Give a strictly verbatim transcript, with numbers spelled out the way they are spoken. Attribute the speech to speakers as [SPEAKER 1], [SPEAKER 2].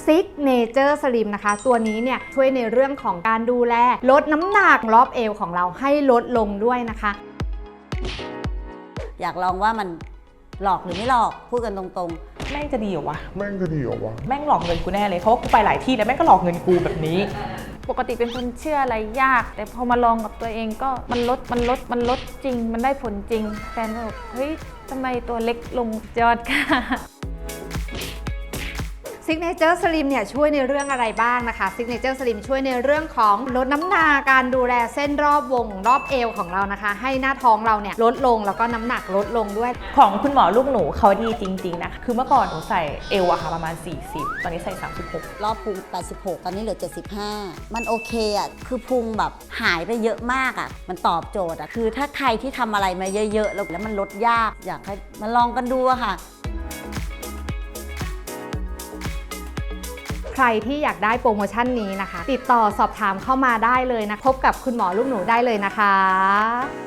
[SPEAKER 1] ซิกเนเจอร์สลิมนะคะตัวนี้เนี่ยช่วยในเรื่องของการดูแลลดน้ำหนักรอบเอวของเราให้ลดลงด้วยนะคะ
[SPEAKER 2] อยากลองว่ามันหลอกหรือไม่หลอกพูดกันตรง
[SPEAKER 3] ๆแม่งจะดีเหรอวะ
[SPEAKER 4] แม่งจะดีเหรอวะ
[SPEAKER 3] แม่งหลอกเงินกูแน่เลยเพราะว่ากูไปหลายที่แล้วแม่งก็หลอกเงินกูแบบนี้
[SPEAKER 5] ปกติเป็นคนเชื่ออะไรยากแต่พอมาลองกับตัวเองก็มันลดมันลดมันลดจริงมันได้ผลจริงแฟนก็บอกเฮ้ยทำไมตัวเล็กลงยอดค่ะ
[SPEAKER 1] ซิกเนเจอร์สลิมเนี่ยช่วยในเรื่องอะไรบ้างนะคะซิกเนเจอร์สลิมช่วยในเรื่องของลดน้ำหนักการดูแลเส้นรอบวงรอบเอวของเรานะคะให้หน้าท้องเราเนี่ยลดลงแล้วก็น้ำหนักลดลงด้วย
[SPEAKER 3] ของคุณหมอลูกหนูเขาดีจริงๆนะคือเมื่อก่อนหนูใส่เอวอะค่ะประมาณสี่สิบตอนนี้ใส่สามสิบหก
[SPEAKER 2] รอบพุงแปดสิบหกตอนนี้เหลือเจ็ดสิบห้ามันโอเคอะคือพุงแบบหายไปเยอะมากอะมันตอบโจทย์อะคือถ้าใครที่ทำอะไรมาเยอะๆแล้วมันลดยากอยากให้มาลองกันดูอะค่ะ
[SPEAKER 1] ใครที่อยากได้โปรโมชั่นนี้นะคะติดต่อสอบถามเข้ามาได้เลยนะพบกับคุณหมอลูกหนูได้เลยนะคะ